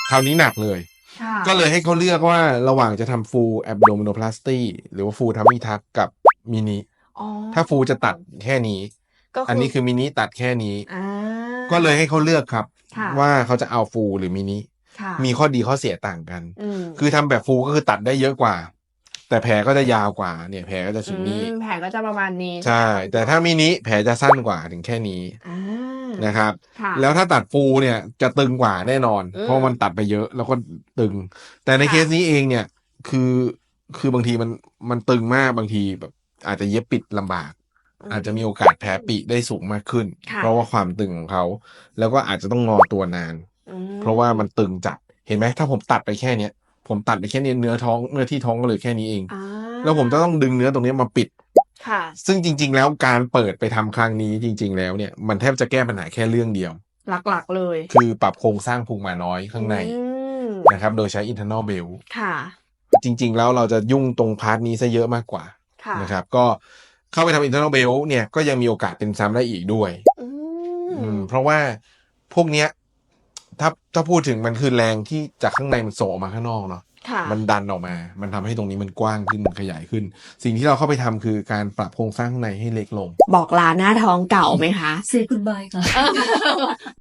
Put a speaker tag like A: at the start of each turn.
A: คราวนี้หนักเลย
B: ค่ะ
A: ก็เลยให้เขาเลือกว่าระหว่างจะทำ full abdominoplasty หรือว่า full tummy tuck กับมินิ
B: อ๋อ
A: ถ้า full จะตัดแค่นี้
B: ก็คืออั
A: อันนี้คือมินิตัดแค่นี้
B: อ่า
A: ก็เลยให้เขาเลือกครับ
B: ค่ะ
A: ว่าเขาจะเอา full หรือมินิ
B: ค่ะ
A: มีข้อดีข้อเสียต่างกัน
B: อืม
A: คือทำแบบ full ก็คือตัดได้เยอะกว่า แต่แผลก็จะยาวกว่าเนี่ยแผลก็จะถึงนี่
B: แผลก็จะประมาณนี้
A: ใช่ แต่ถ้ามินิแผลจะสั้นกว่าถึงแค่นี้
B: อ่า
A: นะครับ
B: ค่ะ
A: แล้วถ้าตัดฟูเนี่ยจะตึงกว่าแน่นอน เพราะมันตัดไปเยอะแล้วก็ตึง แต่ใน
B: ค่ะ
A: เคสนี้เองเนี่ยคือบางทีมันตึงมากบางทีแบบอาจจะเย็บปิดลำบาก อาจจะมีโอกาสแผลปิได้สูงมากขึ้น
B: ค่ะ
A: เพราะว่าความตึงของเขาแล้วก็อาจจะต้องงอตัวนาน
B: อืม
A: เพราะว่ามันตึงจัดเห็นไหมถ้าผมตัดไปแค่เนี้ยผมตัดไปแค่นี้เนื้อที่ท้องก็เลยแค่นี้เอง
B: อ่า
A: แล้วผมจะต้องดึงเนื้อตรงนี้มาปิด
B: ค่ะ
A: ซึ่งจริง ๆ แล้วการเปิดไปทำครั้งนี้จริง ๆ แล้วเนี่ยมันแทบจะแก้ปัญหาแค่เรื่องเดียว
B: หลักๆเลย
A: คือปรับโครงสร้างพุงหมาน้อยข้างใน
B: อืม
A: นะครับโดยใช้ internal belt
B: ค่ะ
A: จริง ๆ แล้วเราจะยุ่งตรงพาร์ทนี้ซะเยอะมากกว่า
B: ค่ะ
A: นะครับก็เข้าไปทำ internal belt เนี่ยก็ยังมีโอกาสเป็นซ้ำได้อีกด้วย
B: อืม
A: เพราะว่าพวกเนี้ยถ้าพูดถึงมันคือแรงที่จากข้างในมันโสออกมาข้างนอกเนาะ
B: ค่ะ
A: มันดันออกมา มันทำให้ตรงนี้มันกว้างขึ้นขยายขึ้น สิ่งที่เราเข้าไปทำคือการปรับโครงสร้างข้างในให้เล็กลง
B: บอกลาหน้าท้องเก่าไหมคะ
C: Say goodbye ค่ะ